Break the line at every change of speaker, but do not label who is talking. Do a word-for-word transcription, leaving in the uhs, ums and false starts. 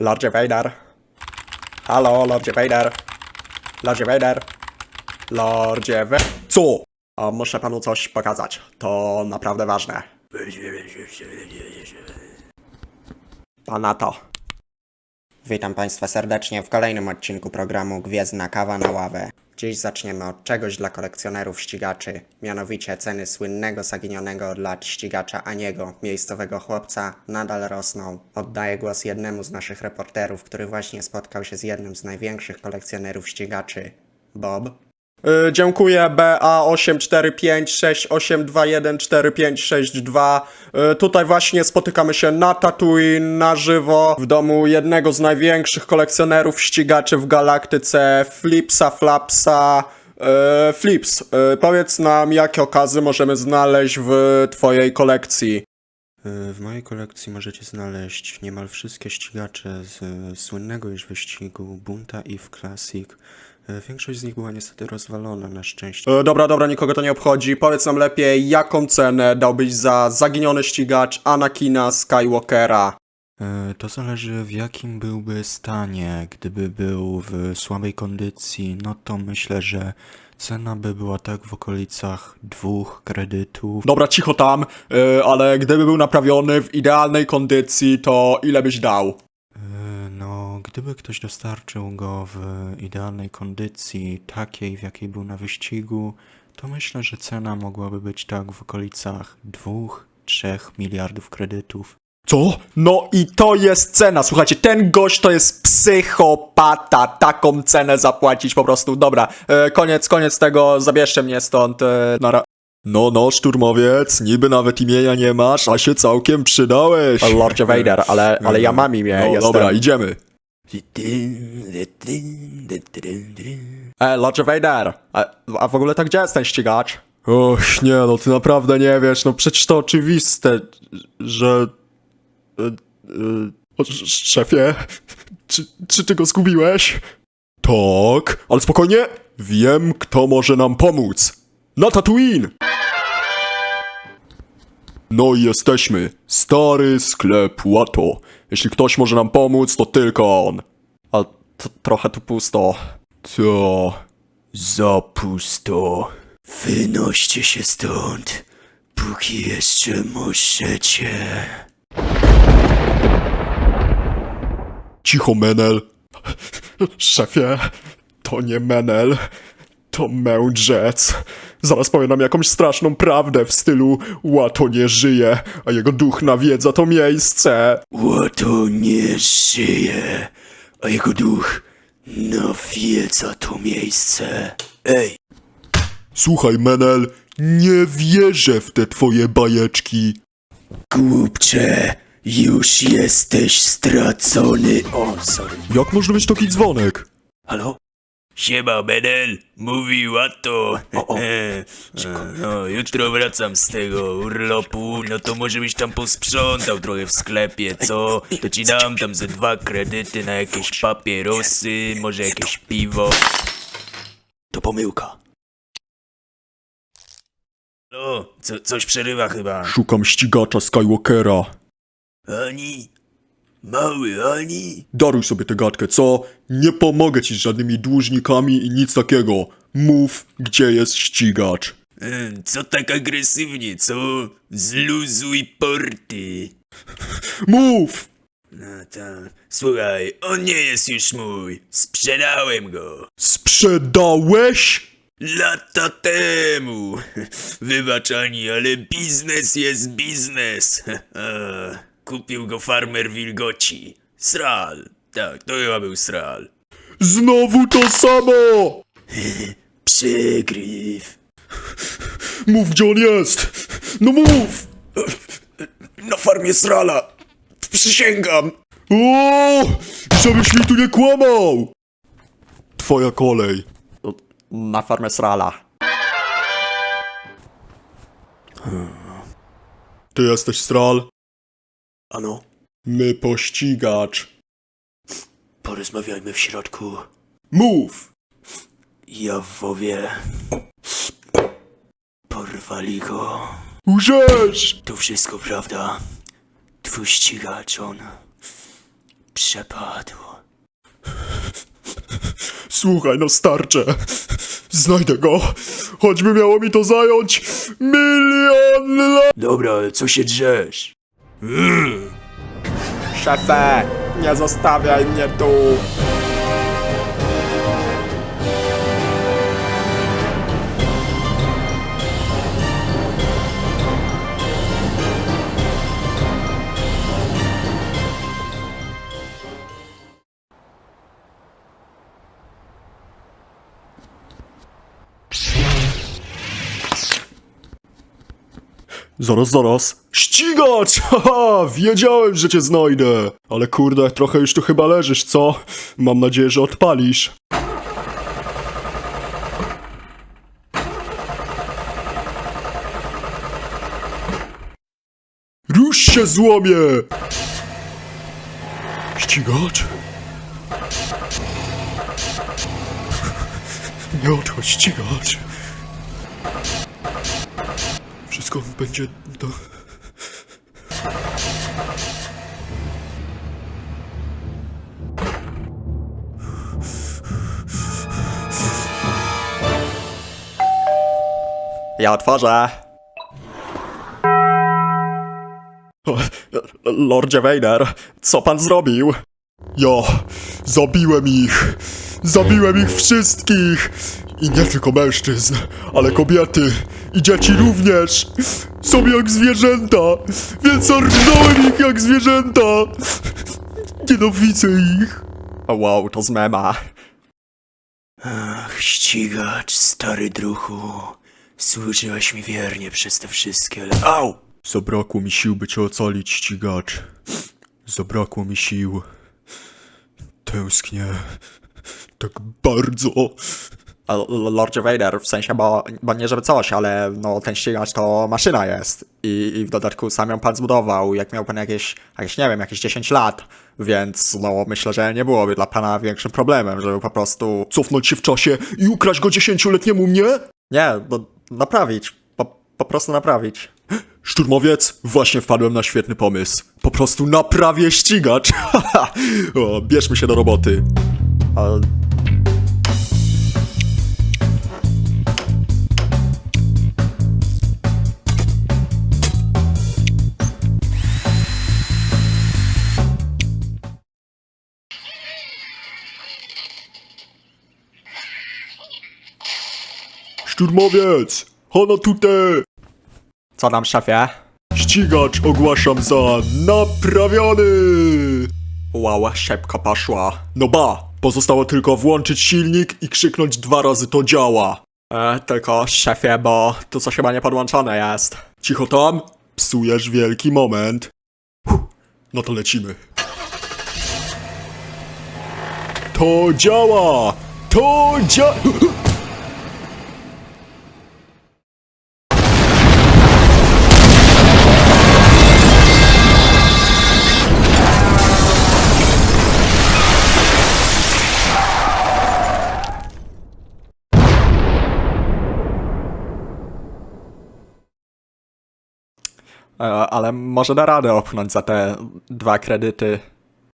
Lordzie Vader. Halo, Lordzie Vader. Lordzie Vader. Lordzie Vader. Co? A muszę panu coś pokazać. To naprawdę ważne. Pana to. Witam Państwa serdecznie w kolejnym odcinku programu Gwiezdna Kawa na ławę. Dziś zaczniemy od czegoś dla kolekcjonerów ścigaczy, mianowicie ceny słynnego zaginionego od lat ścigacza Aniego, miejscowego chłopca, nadal rosną. Oddaję głos jednemu z naszych reporterów, który właśnie spotkał się z jednym z największych kolekcjonerów ścigaczy. Bob? Yy, dziękuję B A osiem cztery pięć sześć osiem dwa jeden cztery pięć sześć dwa. Yy, tutaj właśnie spotykamy się na Tatooine, na żywo, w domu jednego z największych kolekcjonerów ścigaczy w galaktyce, Flipsa Flapsa. Yy, Flips, yy, powiedz nam, jakie okazy możemy znaleźć w twojej kolekcji. W mojej kolekcji możecie znaleźć niemal wszystkie ścigacze z y, słynnego już wyścigu Bunta Eve Classic. Y, większość z nich była niestety rozwalona na szczęście. E, dobra, dobra, nikogo to nie obchodzi. Powiedz nam lepiej, jaką cenę dałbyś za zaginiony ścigacz Anakina Skywalkera?
E, to zależy w jakim byłby stanie. Gdyby był w słabej kondycji, no to myślę, że cena by była tak w okolicach dwóch kredytów.
Dobra, cicho tam, y, ale gdyby był naprawiony w idealnej kondycji, to ile byś dał?
E, no, gdyby ktoś dostarczył go w idealnej kondycji, takiej w jakiej był na wyścigu, to myślę, że cena mogłaby być tak w okolicach dwóch, trzech miliardów kredytów.
Co? No i to jest cena, słuchajcie, ten gość to jest psychopata, taką cenę zapłacić po prostu, dobra, e, koniec, koniec tego, zabierzcie mnie stąd, e, nara...
No, no, szturmowiec, niby nawet imienia nie masz, a się całkiem przydałeś.
Lordzie Vader, ale, ale ja mam imię,
No
jestem...
dobra, idziemy.
E, Lordzie Vader, a, a w ogóle tak gdzie jest ten ścigacz?
Och, nie, no ty naprawdę nie wiesz, no przecież to oczywiste, że... E, e, o, sz- szefie, czy, czy ty go zgubiłeś? Tak, ale spokojnie, wiem, kto może nam pomóc. Na Tatooine! No i jesteśmy. Stary sklep Watto. Jeśli ktoś może nam pomóc, to tylko on.
A t- trochę tu pusto.
To... za pusto. Wynoście się stąd, póki jeszcze możecie. Cicho, Menel. Szefie, to nie Menel, to mędrzec. Zaraz powie nam jakąś straszną prawdę w stylu Watto nie żyje, a jego duch nawiedza to miejsce. Watto nie żyje, a jego duch nawiedza to miejsce. Ej! Słuchaj, Menel, nie wierzę w te twoje bajeczki. Głupcze, już jesteś stracony. O, sorry. Jak może być taki dzwonek? Halo?
Siema, Benel, mówi Watto.
O, o.
No, jutro wracam z tego urlopu, no to może byś tam posprzątał trochę w sklepie, co? To ci dam tam ze dwa kredyty na jakieś papierosy, może jakieś piwo.
To pomyłka.
No, co, coś przerywa chyba.
Szukam ścigacza Skywalkera.
Ani? Mały Ani?
Daruj sobie tę gadkę, co? Nie pomogę ci z żadnymi dłużnikami i nic takiego. Mów, gdzie jest ścigacz.
Hmm, co tak agresywnie, co? Zluzuj porty.
Mów!
No tam, słuchaj, on nie jest już mój. Sprzedałem go.
Sprzedałeś?
Lata temu. Wybacz Ani, ale biznes jest biznes. Kupił go farmer wilgoci. Sral. Tak, to chyba był sral.
Znowu to samo!
Przegryw.
Mów, gdzie on jest! No mów!
Na farmie srala. Przysięgam.
O! Żebyś mi tu nie kłamał! Twoja kolej.
Na farmę Srala.
Ty jesteś Stral?
Ano,
My pościgacz.
porozmawiajmy w środku.
Mów!
Jawowie. Porwali go.
Łżesz!
To wszystko prawda. Twój ścigacz, on Przepadło.
Słuchaj, no starcze. Znajdę go. Choćby miało mi to zająć milion lat.
Dobra, ale co się drzesz?
Szefie, nie zostawiaj mnie tu.
Zaraz, zaraz. Ścigacz! Haha, wiedziałem, że cię znajdę. Ale kurde, trochę już tu chyba leżysz, co? Mam nadzieję, że odpalisz. Rusz się, złomie! Ścigacz? Nie odchodź, ścigacz. Wszystko będzie do...
Ja otworzę.
O, Lordzie Vader, co pan zrobił? Ja zabiłem ich. Zabiłem ich wszystkich. I nie tylko mężczyzn, ale kobiety i dzieci również. Są jak zwierzęta, więc ornąłem ich jak zwierzęta. Nienawidzę ich.
O, wow, to z mema.
Ach, ścigacz, stary druhu. Służyłeś mi wiernie przez te wszystkie lata. Au!
Zabrakło mi sił, by cię ocalić, ścigacz. Zabrakło mi sił. Tęsknię. Tak bardzo.
A, L- Lordzie Vader, w sensie, bo, bo nie żeby coś, ale no ten ścigacz to maszyna jest. I, I w dodatku sam ją pan zbudował, jak miał pan jakieś, jakieś, nie wiem, jakieś dziesięć lat. Więc no myślę, że nie byłoby dla pana większym problemem, żeby po prostu...
Cofnąć się w czasie i ukraść go dziesięcioletniemu mnie?
Nie, no naprawić. Po, po prostu naprawić.
Szturmowiec, właśnie wpadłem na świetny pomysł. Po prostu naprawię ścigacz. O, bierzmy się do roboty.
A,
Szturmowiec, hono tutaj.
co tam, szefie?
Ścigacz ogłaszam za naprawiony.
Wow, szybko poszło.
No ba, pozostało tylko włączyć silnik i krzyknąć dwa razy to działa.
E, tylko, szefie, bo tu coś chyba nie podłączone jest.
Cicho tam, psujesz wielki moment. Huh, no to lecimy. To działa! To działa!
E, ale może da radę opchnąć za te dwa kredyty.